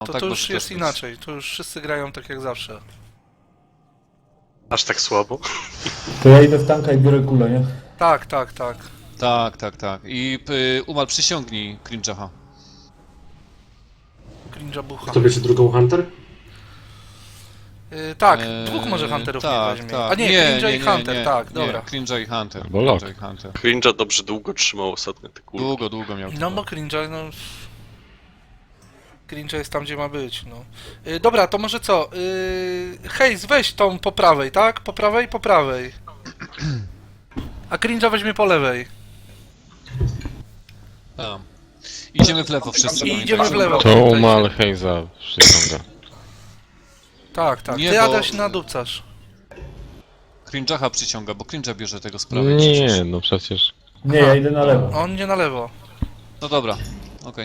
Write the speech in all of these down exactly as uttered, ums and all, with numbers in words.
No, To, tak to może już też jest być. inaczej, to już wszyscy grają tak jak zawsze. Aż tak słabo? To ja idę w tanka i biorę kulę, nie? Tak, tak, tak. Tak, tak, tak. I y, Umal, przysiągnij Cringe'aha. Cringe'a bucha. Kto bierze drugą Hunter? Yy, tak, Eee, dwóch może Hunterów tak, nie weźmie. tak. A nie, nie, Cringe'a nie, i nie, Hunter, nie, tak, nie, dobra. Cringe'a i Hunter. Albo Lock. Cringe'a i Hunter. Cringe'a dobrze długo trzymał ostatnio te kulki. Długo, długo miał. No bo Cringe'a, no... Cringe'a jest tam, gdzie ma być, no. Yy, dobra, to może co? Yy, Hejs, weź tą po prawej, tak? Po prawej, po prawej. A Cringe'a weźmie po lewej. Tak. Idziemy w lewo wszyscy. I idziemy w lewo. To Tutaj Umal się- Heiza przyciąga. Tak, tak. Nie, Ty bo- Adaś nadupcasz. Cringe'acha przyciąga, bo Cringe'a bierze tego z prawej. Nie, przecież. no przecież. Nie, ja idę na lewo. On idzie na lewo. No dobra, okej.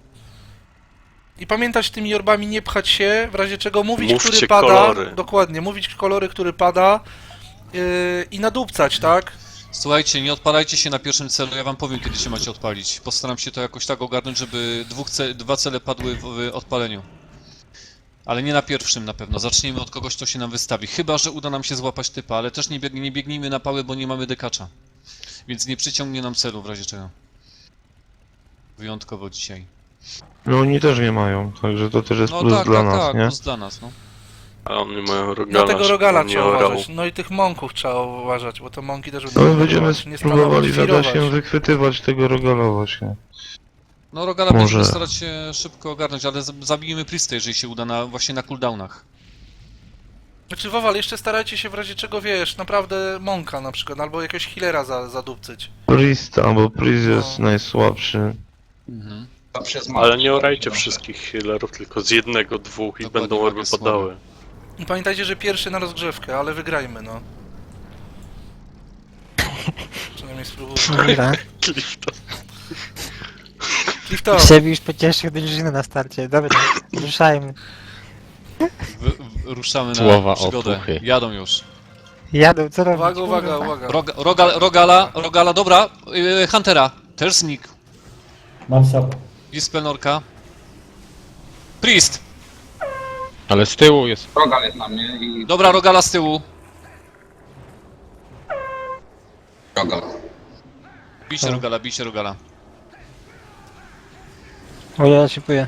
I pamiętać tymi orbami nie pchać się, w razie czego mówić, Mówcie który pada. kolory. Dokładnie, mówić kolory, który pada yy, i nadupcać, tak? Słuchajcie, nie odpalajcie się na pierwszym celu, ja wam powiem, kiedy się macie odpalić. Postaram się to jakoś tak ogarnąć, żeby dwóch ce dwa cele padły w, w odpaleniu. Ale nie na pierwszym na pewno. Zaczniemy od kogoś, kto się nam wystawi. Chyba że uda nam się złapać typa, ale też nie, bieg nie biegnijmy na pały, bo nie mamy dekacza. Więc nie przyciągnie nam celu w razie czego. Wyjątkowo dzisiaj. No oni też nie mają, także to też jest No plus tak, dla tak, nas, tak, nie? plus dla nas, no. A oni mają rogala. Na tego żeby rogala on nie trzeba orał. uważać. No i tych mąków trzeba uważać, bo te mąki też No będą my będziemy próbować nie spróbowali stanowić, zadać firować. się wychwytywać tego rogala właśnie. No Rogala Może- będziemy starać się szybko ogarnąć, ale z- zabijmy Priestę, jeżeli się uda, na, właśnie na cooldownach. Znaczy Wowal, jeszcze starajcie się w razie czego, wiesz, naprawdę mąka na przykład, albo jakiegoś healera za, zadupcyć. Priesta, bo Priest jest No. najsłabszy. Mhm. Ale nie orajcie wszystkich healerów, tylko z jednego, dwóch i Dokładnie, będą orby ładnie słabe. padały. I pamiętajcie, że pierwszy na rozgrzewkę, ale wygrajmy, no. Przynajmniej spróbujmy. Dobra. Clifton. Clifton, Sebi już pocieszył drużynę na starcie. Dobra, ruszajmy. W, w, ruszamy na Słowa przygodę. otuchy. Jadą już. Jadą, co robić? uwaga, uwaga, Kurwa. uwaga. Roga, rogal, rogala, Rogala, dobra. Yy, Huntera, też znikł. Mam sapa. Dispelnorka. Priest! Ale z tyłu jest. Rogal jest na mnie i... Dobra, Rogala z tyłu. Rogal. Bijcie Rogala, bijcie Rogala. O, ja szykuję.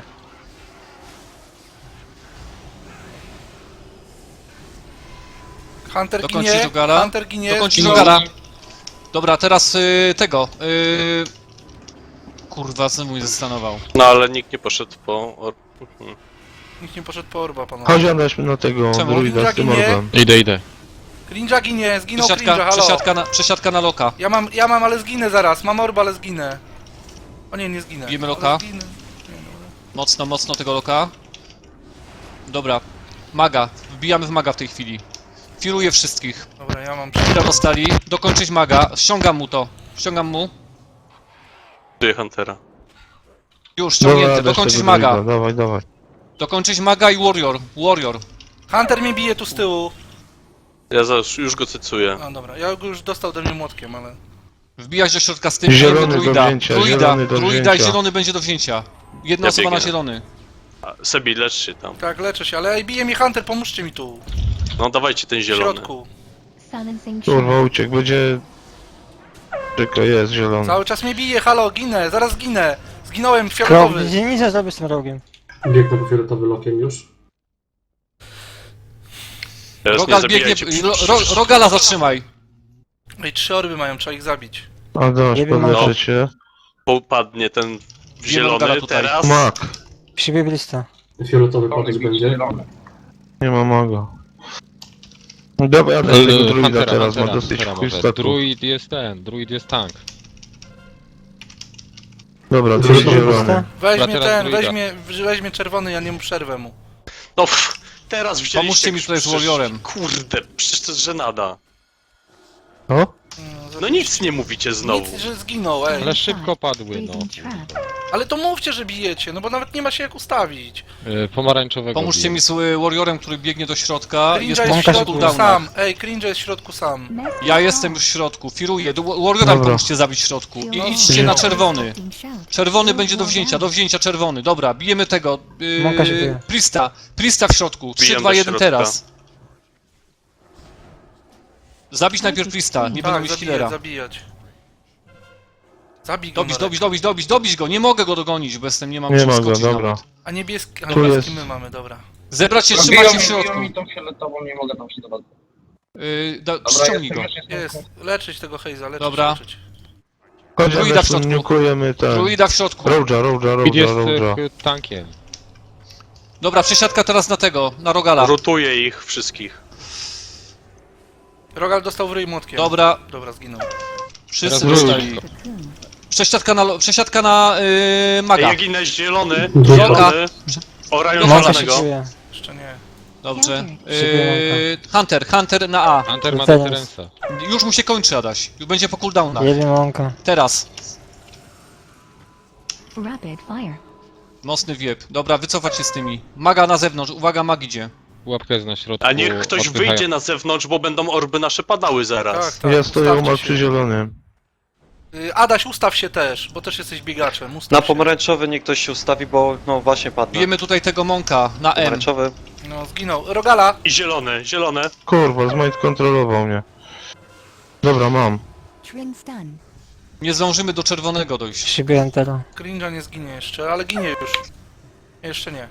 Hunter Dokończyć ginie, Rogala. Hunter ginie. Dokończyć zginął. Rogala. Dobra, teraz yy, tego. Yy... Kurwa, co mój zastanował. No ale nikt nie poszedł po or... Mhm. Nikt nie poszedł po orba, panowie. Chodź Adaś na tego Czemu? druida z tym Ninja ginie? orbem. Idę, idę. Cringe'a ginie, zginął Cringe'a, Przesiadka, halo. przesiadka, na, przesiadka na loka. Ja mam, ja mam, ale zginę zaraz. Mam orba, ale zginę. O nie, nie zginę. Bijemy Ale loka? zginę. Mocno, mocno tego loka. Dobra. Maga. Wbijamy w maga w tej chwili. Firuję wszystkich. Dobra, ja mam... Chwila dostali. Dokończyć maga. Ściągam mu to. Ściągam mu. Czuję Huntera. Już, Dobra, ściągnięty. Adaś Dokończyć tego maga. druida, dawaj, dawaj. Dokończyć maga i warrior. Warrior. Hunter mnie bije tu z tyłu. Ja zaraz już go cycuję. A dobra, ja go już dostał do mnie młotkiem, ale... Wbijać do środka z tym. Zielony do druida. wzięcia, Druida. zielony do Druida i wzięcia. zielony będzie do wzięcia. Jedna Ja osoba na biegnę. zielony. A, Sebi, lecz się tam. Tak, leczę się, ale ej, bije mnie Hunter, pomóżcie mi tu. No dawajcie ten W zielony. środku. Kurwa uciekł, będzie... Czekaj, jest zielony. Cały czas mnie bije, halo, ginę, zaraz ginę. Zginąłem, Krok, fioletowy. gdzie nic nie zrobię z tym rogiem. Biegnę po fioletowy lokiem już. Teraz Rogal nie biegnie. zabijajcie. Ro, ro, rogala zatrzymaj. Ej, trzy orby mają, trzeba ich zabić. Adaś, Nie wiem, podleczyć się. Popadnie ten Rogala zielony tutaj. teraz. Mak. Przybieg lista. Fioletowy padać będzie. Nie ma maga. No Dobra, Adaś tego druida Huntera, teraz, ma Huntera, dosyć Huntera chuj może. statu. Druid jest ten, druid jest tank. Dobra, druid Fioletowy zielony. Lista? Weźmie teraz ten, druida. weźmie, weźmie czerwony, ja nie mu przerwę mu. No pff, teraz wzięliście... Pomóżcie mi tutaj z przecież- warriorem. Kurde, przecież to jest żenada. O? No nic nie mówicie znowu. Nic, że zginął, ej. Ale szybko padły, no. Ale to mówcie, że bijecie, no bo nawet nie ma się jak ustawić. Y, pomarańczowego Pomóżcie biję. mi z y, Warriorem, który biegnie do środka. Cringe Jest jest w po Mąka się środku cooldownach. sam. Ej, Cringe jest w środku sam. Ja jestem już w środku, firuję. Do Warriora Dobra. pomóżcie zabić w środku. I idźcie na czerwony. Czerwony będzie do wzięcia, do wzięcia czerwony. Dobra, bijemy tego. Mąka się Yy, bije. Prista, Prista w środku. trzy, Bijam dwa, do jeden środka. teraz. Zabić najpierw Prista, nie będą Tak, mieć zabijać, healera. zabijać. Zabij go Dobić, Norek. dobić, dobić, dobić, dobić go. Nie mogę go dogonić, bo jestem, nie mam Nie czym ma go, skoczyć dobra. nawet. A niebieski, a Tu niebieski jest. my mamy, dobra. Zebrać się, Biją trzymać się mi, w biją środku. mi tą fioletową, nie mogę tam się dowiedzieć. Yy, da, Dobra, ściągnij jestem, go. już jestem. Jest, leczyć tego Hejza, leczyć, Dobra. leczyć. Druida w Chodzimy, środku. nukujemy ten. Druida w środku. Roadja, Roadja, Speed Roadja, jest Roadja. y, tankiem. Dobra, przesiadka teraz na tego, na Rogala. Rotuję ich wszystkich. Rogal dostał w ryj młotkiem. Dobra, Dobra, zginął. wszyscy Teraz dostali. druid. Przesiadka na, lo- przesiadka na yy, maga. Ja ginę zielony, Druga. zielony. Orają Mąka się zielonego. czuje. Jeszcze nie. Dobrze. Yy, Hunter, Hunter na A. Hunter ma Teraz. deterensa. Już mu się kończy, Adaś. Już będzie po cooldownach. Jebie mąka. Teraz. Rapid fire. Mocny wiep. Dobra, wycofać się z tymi. Maga na zewnątrz. Uwaga, mag idzie. Pułapka jest na środku. A niech ktoś odpychają. wyjdzie na zewnątrz, bo będą orby nasze padały zaraz. Tak, tak. Ja stoję ustawcie umarł się. przy zielonym. Y, Adaś, ustaw się też, bo też jesteś biegaczem. Ustaw Na się. pomarańczowy niech ktoś się ustawi, bo no właśnie padnę. Bijemy tutaj tego Monka na M. Pomarańczowy. No, zginął. Rogala! I zielone, zielone. Kurwa, Zmajt kontrolował mnie. Dobra, mam. Trin stun. Nie zdążymy do czerwonego dojść. Siebie Entera. Cringe'a nie zginie jeszcze, ale ginie już. Jeszcze nie.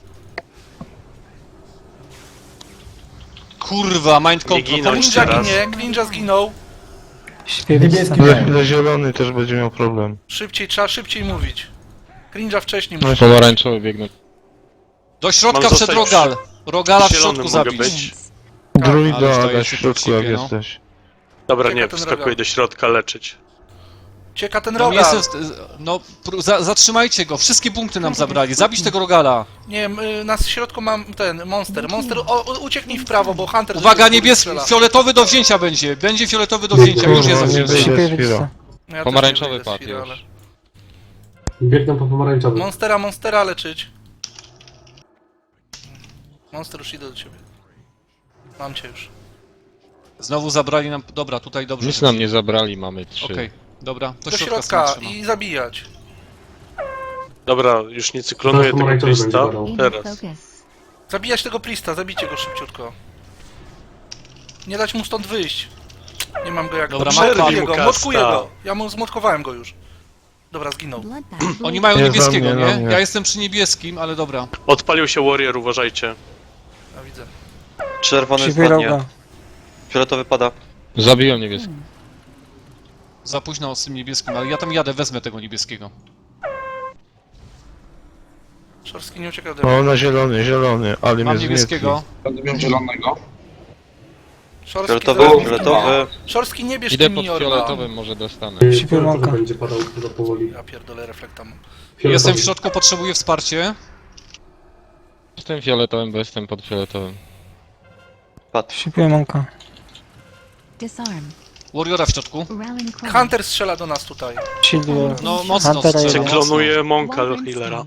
Kurwa, mind Nie control. ginąć Pomóżcie. Cringe'a teraz. ginie, Cringe'a zginął. Śpiewam. Niebieski Za miałem. chwilę zielony też będzie miał problem. Szybciej, trzeba szybciej mówić. Cringe'a wcześniej No musi. Pomarańczowy biegną. Do środka Mam przed zostać Rogal. Rogala w zielony środku mogę zabić. być. Ale Druida, zdaje Adaś się w środku jak ciebie, no. jesteś. Dobra, Czeka nie, ten wskakuję rogal. do środka leczyć. Cieka ten No, nie Rogal. jestem, w- no, pró- za, zatrzymajcie go. Wszystkie punkty nam zabrali. Zabić tego Rogala. Nie wiem, y, na środku mam ten, Monster. Monster, o, o, ucieknij w prawo, bo Hunter... Uwaga, z góry niebieski, strzela. fioletowy do wzięcia będzie. Będzie fioletowy do wzięcia. Już jest do Kurwa, nie wzięcia. wyjdzie z Śpiewam. chwilą. No ja Pomarańczowy też nie wyjdę z padł chwili, już. ale- Biegną po pomarańczowy. Monstera, Monstera leczyć. Monster, już idę do ciebie. Mam cię już. Znowu zabrali nam... Dobra, tutaj dobrze. Nic nam nie zabrali, mamy trzy. Okej, dobra. To Do środka, środka sobie trzyma. i zabijać. Dobra, już nie cyklonuję Zaraz tego pomarańczowy będzie Krista. badał. In Teraz. focus. Zabijać tego Prista, zabijcie go szybciutko. Nie dać mu stąd wyjść. Nie mam go jak... Dobra, Motkuję przerwij mu go, kasta. motkuję go. Ja mu zmotkowałem go już. Dobra, zginął. Bloodbath. Oni mają Nie, niebieskiego, za mnie, na nie? mnie. Ja jestem przy niebieskim, ale dobra. Odpalił się Warrior, uważajcie. Ja widzę. Czerwony Siebie spadnie. Roga. Fioletowy pada. Zabiłem niebieski. Za późno z tym niebieskim, ale ja tam jadę, wezmę tego niebieskiego. Szorski nie ucieka ode mnie. O, na zielony, zielony, ale Mam mnie niebieskiego. Będę miał zielonego. Szorski, Fioletowy, zaraz- fioletowy. Szorski nie bierz Idę mi pod orba. fioletowym, może dostanę. Fioletowy Siedemka. będzie padał chyba powoli. Ja pierdolę, reflekta mam. Fioletowy. Jestem w środku, potrzebuję wsparcie. Jestem fioletowym, bo jestem pod fioletowym. Padł. Śpiewam mąka. Disarm. Warriora w środku. Rallying cry. Hunter strzela do nas tutaj. Shielduję. No mocno Huntera strzela, jeden. mocno. Cyklonuję Monka do healera.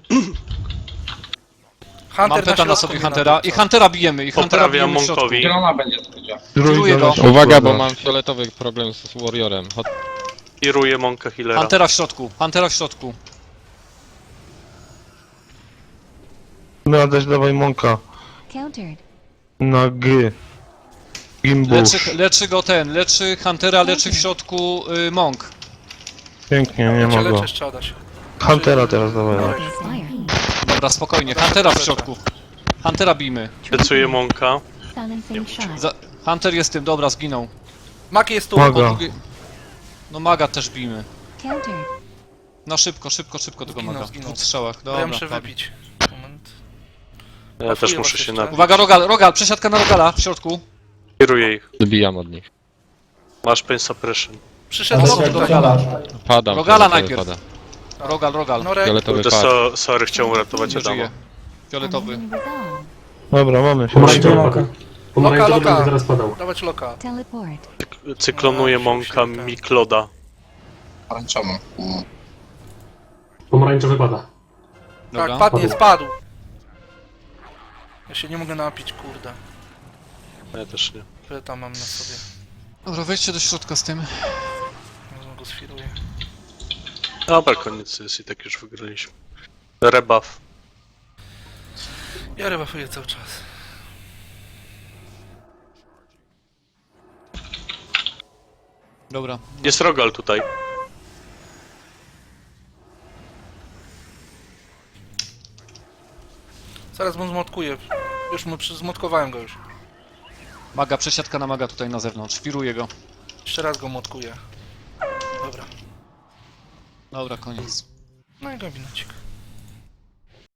Hunter Mam peta na środku sobie mnie Huntera. nadupca. I Huntera bijemy, i Huntera Poprawiam bijemy w środku. Monkowi. Zielona będzie sędzia. Kieruję Druida go. na środku, Uwaga, bo Adaś. mam fioletowy problem z Warriorem. Hot... Kieruję Monka healera. Huntera w środku, Huntera w środku. No, Adaś, dawaj Monka. Countered. Na G. Gimbusz. Leczy, leczy go ten, leczy Huntera, leczy w środku y, Monk. Pięknie, nie Ja cię ma leczę go. jeszcze, Adaś. Huntera teraz dawaj. Dobra. Fire. Dobra, spokojnie, Huntera w środku. Huntera bijmy. Decuję Monka. Silencing shot. Za... Hunter jest tym, dobra, zginął. Mak jest tu. Maga. Po drugie... No maga też bijmy. Countered. No szybko, szybko, szybko tego Zginął, maga. zginął. W dwóch strzałach, Bo ja dobra. muszę padł. wypić. Moment. Ja Pasuje też was muszę się jeszcze. na... Uwaga, Rogal, Rogal, przesiadka na Rogala w środku. Kieruję ich. Zbijam od nich. Masz pain suppression. Przyszedł Ale Lok się tutaj. Rogala. Padam. Rogala fioletowy najpierw. Pada. Rogal, Rogal. Norek, Fioletowy Kurde, padł. so, sorry, chciałem uratować Nie Adama. żyje. Fioletowy. Enemy resolve. Dobra, mamy Pomarańczowy fioletowy. padł. Pomarańczowy Loka, będzie loka. zaraz padał. dawać Loka. Teleport. Cyklonuję No, Monka się- się- Mikloda. Pomarańczową. Mm. Pomarańczowy pada. Dobra. Tak, padnie, Padł. spadł. Ja się nie mogę napić, kurde. Ja też nie. Pyta mam na sobie. Dobra, wejdźcie do środka z tym. Może go sfiruję. Dobra, koniec jest i tak już wygraliśmy. Rebuff. Ja rebufuję cały czas. Dobra. Jest Rogal tutaj. Zaraz mu zmotkuję. Już mu przy- zmotkowałem go już. Maga, przesiadka na maga tutaj na zewnątrz. Firuję go. Jeszcze raz go motkuję. Dobra. Dobra, koniec. No i gabinecik.